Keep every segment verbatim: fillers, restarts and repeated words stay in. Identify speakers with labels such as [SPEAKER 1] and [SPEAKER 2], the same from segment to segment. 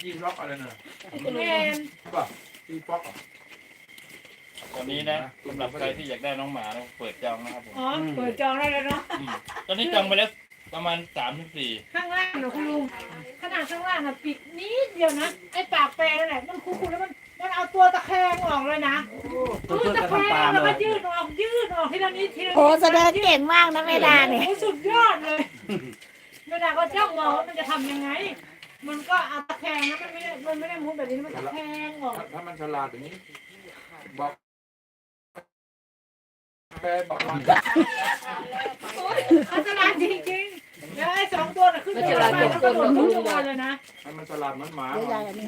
[SPEAKER 1] จีนล็อกอะไรน่ะ
[SPEAKER 2] แมน
[SPEAKER 1] ป่ะจีป๊อก
[SPEAKER 3] ตอนนี้นะสำหรับใครที่อยากได้น้องหมานะเปิดจองนะครับผม
[SPEAKER 2] อ๋อเปิดจองได้แล้วเนาะ
[SPEAKER 3] อืมตอนนี้จองไปแล้วประมาณสามถึงสี่
[SPEAKER 2] ข้างล่างเนาะคุณลุงขนาดข้างล่างอะปิดนิดเดียวนะไอ้ปากแปรนั่นแหละมันคูๆแล้วมันมันเอาตัวตะแคงออกเลยนะ
[SPEAKER 4] เพื่อน
[SPEAKER 2] ตะ
[SPEAKER 4] จะ
[SPEAKER 2] แค
[SPEAKER 4] ทำตาง ม
[SPEAKER 2] แล้ว
[SPEAKER 4] เล
[SPEAKER 2] ก็
[SPEAKER 4] ย
[SPEAKER 2] ยืดออกยืดออกทีละนิดทีละนิด
[SPEAKER 5] โอ้แสดงเก่งมากนะแม่ดาเนี่ย
[SPEAKER 2] โอ้สุดยอดเลยแม่ดาก็จ้องมองว่ามันจะทำยังไง มันก็เอาตะแคงนะมันไม่ได้มันไม่ได้มุดแบบนี้มันตะแคงออก
[SPEAKER 1] ถ้ามันฉลาดอย่างนี้บอกแปลบอกมัน
[SPEAKER 2] อันตรายจริงๆแล้วไอ้สองตัวน่ะขึ้นไปแล้วมันก็โดดขึ้นมาเลยนะ
[SPEAKER 1] ให้มันฉลาดเหมือนหมา
[SPEAKER 5] เดี๋ยวยายอันนี้ให้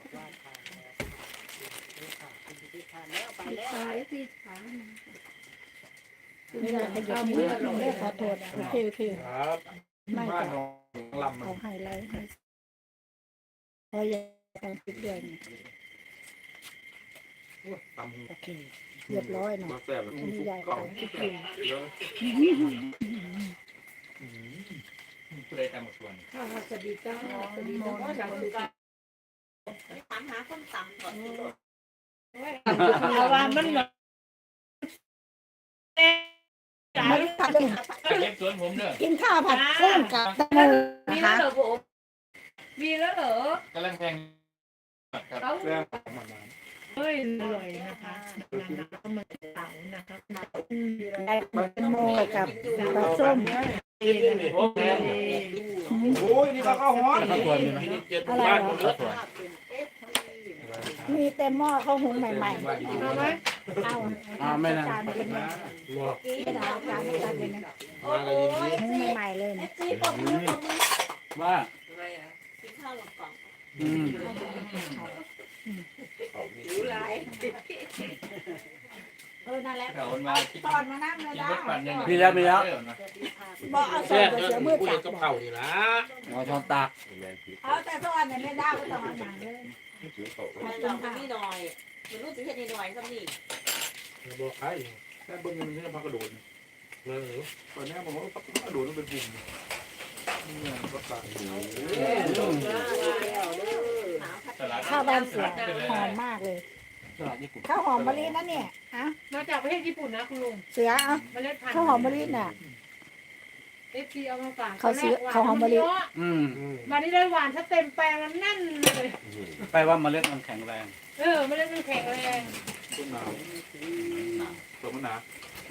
[SPEAKER 5] ไม่ได้ขยับมือไม่ขอโทษโอเคโอเค
[SPEAKER 1] ครับ
[SPEAKER 5] ไม่
[SPEAKER 1] บ้าน
[SPEAKER 5] จะ
[SPEAKER 1] ของลำมัน
[SPEAKER 5] เอาให้ไลฟ์ให้พอยายการปิดเดือน
[SPEAKER 1] ตำหู
[SPEAKER 5] โอเคเรียบร้อยเนาะ
[SPEAKER 1] บ่แซ่บ
[SPEAKER 5] อันนี้ยาย
[SPEAKER 1] กล่
[SPEAKER 5] ก็
[SPEAKER 1] อง
[SPEAKER 5] คิดอยู่
[SPEAKER 1] เยอะ
[SPEAKER 3] ผู้ใดตามหมดส่วน
[SPEAKER 2] สวัสดีจ้าสวัสดีจ้า
[SPEAKER 6] ถามหาคนต่ำก่อน
[SPEAKER 2] เอาว่ามันแบบ
[SPEAKER 5] ไม่ได้ทำเลย
[SPEAKER 3] จากเล็บสวนผมเด้อ
[SPEAKER 5] กินข้าวผัดกุ้งกับตะมือ
[SPEAKER 2] มี
[SPEAKER 5] นะ
[SPEAKER 2] แล้ว
[SPEAKER 5] คะ
[SPEAKER 2] เหรอผมมีแล้วเหรอก
[SPEAKER 3] ำลังแพงครับ
[SPEAKER 2] เขา
[SPEAKER 1] แซ่บมันนาน
[SPEAKER 2] เฮ้ยเลยนะคะน้ำมันเต่านะคะ
[SPEAKER 5] ได้แตงโมกับปลาส้ม
[SPEAKER 1] โอ้ยนี่ก็ข้าวฮ้อน
[SPEAKER 4] ข้าวสวยมีไหม
[SPEAKER 5] อะไรเหรอ
[SPEAKER 4] ข้าวสวย
[SPEAKER 5] มีเต็มหม้อข้าวหุงใหม่ๆ
[SPEAKER 2] เอาไหม
[SPEAKER 5] เอา
[SPEAKER 4] อ่าไม่นะ
[SPEAKER 5] จานเป็นไงไม่ได้เอาจานจานเป็นไง
[SPEAKER 6] โอ้โห
[SPEAKER 5] หุงใหม่ๆเลย
[SPEAKER 6] เอ
[SPEAKER 5] นะ
[SPEAKER 6] ฟซีปมมือปมมือ
[SPEAKER 4] ว่า
[SPEAKER 6] กินข้าวหลงกล่อง
[SPEAKER 4] อืม
[SPEAKER 6] หิวไร
[SPEAKER 5] เออนั่นแหละ
[SPEAKER 3] เขามาคิด
[SPEAKER 5] ตอนมานั่งเลย
[SPEAKER 3] กิน
[SPEAKER 5] นะ
[SPEAKER 3] รถปั่นยัง
[SPEAKER 4] มีแล้วมีแล้ว
[SPEAKER 5] บอกเอาส่งไปเสือมือจับ
[SPEAKER 1] กับเข่านี่ละ
[SPEAKER 4] เอาช้อนตัก
[SPEAKER 5] เอาแต่ตอนเนี่ยไม่ได้ก็ต้องเอาหนังเลย
[SPEAKER 6] ไม่หลอกมันนี่หน่อยมันรู้สึกแค่นี้หน่อยสักนี่
[SPEAKER 1] บอกใครแค่เบิ้งมันจะพักกระโดดเออตอนนี้ผมว่าพักกระโดดมันเป็นปุ่มนี่รถปั่น
[SPEAKER 5] ข้าวบ้านเสือหอมมากเลย
[SPEAKER 4] ตลาดญี่ปุ่น
[SPEAKER 5] ข้าวหอมมะลินะเนี่ยอะ
[SPEAKER 2] มาจากประเทศญี่ปุ่นนะคุณลุง
[SPEAKER 5] เสือเอา
[SPEAKER 2] เมล็ดพันธุ์
[SPEAKER 5] ข้าวหอมมะลิน่ะ
[SPEAKER 2] เอฟซีเอามาฝาก
[SPEAKER 5] เขาซื้อเขาหอมมะลิ
[SPEAKER 4] อืม
[SPEAKER 2] วันนี้ได้หวานถ้าเต็มแปลงแล้วแน่นเลย
[SPEAKER 4] แปลว่าเมล็ดมันแข็งแรง
[SPEAKER 2] เออไม่ได้มันแข็งแรง
[SPEAKER 1] ต้นหนาวเปลือกมะนาว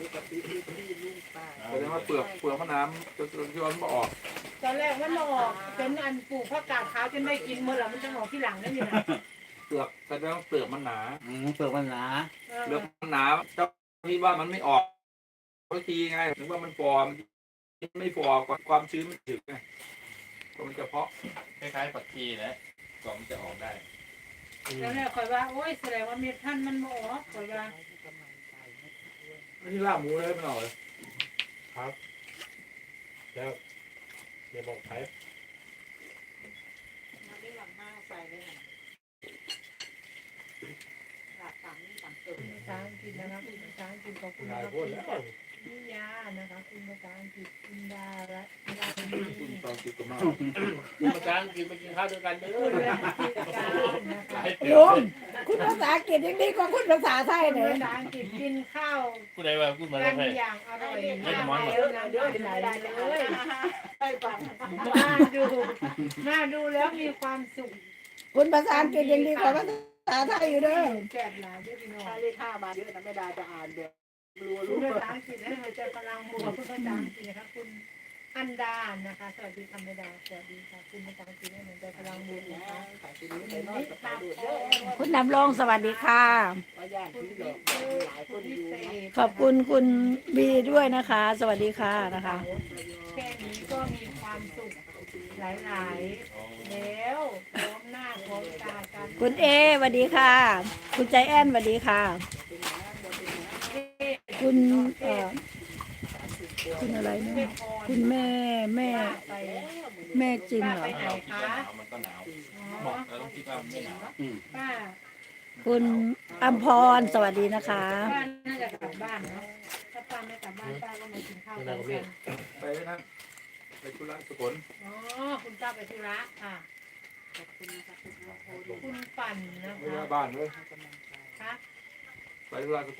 [SPEAKER 1] แสดงว่าเปลือกเปลือกมะนาวจะจะย้อนมาออก
[SPEAKER 2] ตอนแรกมันออกจนอันปลูกผักกาดขาวจนได้กินเมื่อไหร่มันจะออกที่หลังนั่นอยู่นะ
[SPEAKER 1] เปลือกแสดงว่าเปลือกมันหนา
[SPEAKER 4] อืมเปลือกมันหนา
[SPEAKER 2] เออ
[SPEAKER 1] เปลือกมันหนาเจ้าที่ว่ามันไม่ออกบางทีไงถึงว่ามันฟอร์มไม่ฟอร์มความชื้นมันถึงไงก็มันจะเพาะ
[SPEAKER 3] คล้ายๆปักชีนะกล่องจะออกได้
[SPEAKER 2] แล้วเนี่ยคอยว่าโอ้ยแสดงว่าเม็ดพันธุ์มันบ่ออกคอยว่า
[SPEAKER 1] ไม่ใช่ล่าหมูเลยมันออกเลยครับแล้วเดี๋ยวบอกใคร
[SPEAKER 6] มันไม่หลังห้าใส่เลยหลักต่ำนี่ต่ำตึก
[SPEAKER 2] ภาษาอังกฤษนะครับภาษาอังกฤษขอบคุณ
[SPEAKER 1] นาย
[SPEAKER 2] นะครับ
[SPEAKER 1] พูดแล้ว
[SPEAKER 2] นิยานะคะคุณภาษาอังกฤษคุณดาและดา
[SPEAKER 1] คุณตอนติดกับมา
[SPEAKER 3] ภาษาอังกฤษไปกินข้าวด้วยกันเด้
[SPEAKER 2] คุณ
[SPEAKER 3] อ
[SPEAKER 2] และกิจการนะคะ
[SPEAKER 5] ลุงคุณภาษาอังกฤษยังดีกว่าคุณภาษาไทย
[SPEAKER 2] คุณ
[SPEAKER 5] เลย
[SPEAKER 2] ภาษาอังกฤษกินข้าว
[SPEAKER 3] ผู้ใดว่าพูดมา
[SPEAKER 2] กั
[SPEAKER 3] แล้ว
[SPEAKER 2] น
[SPEAKER 3] ใคร
[SPEAKER 2] อย่างอร่อย
[SPEAKER 3] ไม่
[SPEAKER 2] มาก
[SPEAKER 3] ได้มอน
[SPEAKER 2] เดี๋ยวนะเดี๋ยวไม่ได้เลย
[SPEAKER 6] ไปฟัง
[SPEAKER 2] น่าดูน่าดูแล้วมีความสุข
[SPEAKER 5] คุณภาษาอังกฤษยังดีกว่าภาษาไทยอยู่เด้อ
[SPEAKER 2] แซ่บหลายเด้อพี่น้อง
[SPEAKER 6] ถ้าเลขห้ามาเยอะนะไม่ได้จะอ่านแบบรัว
[SPEAKER 2] คุ
[SPEAKER 6] รู้
[SPEAKER 2] ณภาษาอังกฤษให้หัวใจพลังบวกคุณภาษาอังกฤษนะคะคุณอันดานะคะสวัสดีคำไม่ดาสวัสดีค่ะคุณภาษาอังกฤษให้หัวใจพลังบวกนะคะ
[SPEAKER 6] ใส่ชิ้นนี้ใส่น้อยกับปลาดูดเยอะ
[SPEAKER 5] คุณนำรงสวัสดีค่ะ
[SPEAKER 6] ว่าย่าง
[SPEAKER 2] คุณ
[SPEAKER 6] ที่หล
[SPEAKER 2] พิ
[SPEAKER 6] อก
[SPEAKER 2] เศษ
[SPEAKER 6] หลายค
[SPEAKER 2] คุ
[SPEAKER 6] น
[SPEAKER 2] ณ
[SPEAKER 6] อ
[SPEAKER 2] พิ
[SPEAKER 6] ยู่
[SPEAKER 2] เศษ
[SPEAKER 5] ขอบคุณคุณบีด้วยนะคะ สวัสดีค่ะนะคะ
[SPEAKER 2] แค่นี้ก็มีความสุขหลายๆแล้วพร้อมหน้าพร้อมตากัน
[SPEAKER 5] คุณเอสวัสดีค่ะ คุณใจแอนสวัสดีค่ะ คุณเอ่อคุณอะไรนะคุณแม่แม่
[SPEAKER 2] ไป
[SPEAKER 5] แม่จิมเหรอ
[SPEAKER 2] ไปไหน
[SPEAKER 3] เราคิด
[SPEAKER 2] คะ
[SPEAKER 3] ว่าหนาวมันก็หนาว
[SPEAKER 2] อ๋อ
[SPEAKER 3] เราต้องคิดว่าไม่หนาว
[SPEAKER 4] อืม
[SPEAKER 2] ป้า
[SPEAKER 5] คุณอัมพรสวัสดีนะคะ
[SPEAKER 2] ป้าน่าจะกลับบ้านเนาะถ้าป้าไม่กลับบ้านป้าก็มากินข้าวกันกัน
[SPEAKER 1] ไปนั่นไปธุระสกล
[SPEAKER 2] อ๋อคุณป้าไปธุระค่ะ
[SPEAKER 6] ขอบคุณนะครับ
[SPEAKER 2] ปั่นนะ
[SPEAKER 1] ไม่
[SPEAKER 2] คะ
[SPEAKER 1] ได้บ้านเลย
[SPEAKER 2] คะ
[SPEAKER 1] ไปธุระ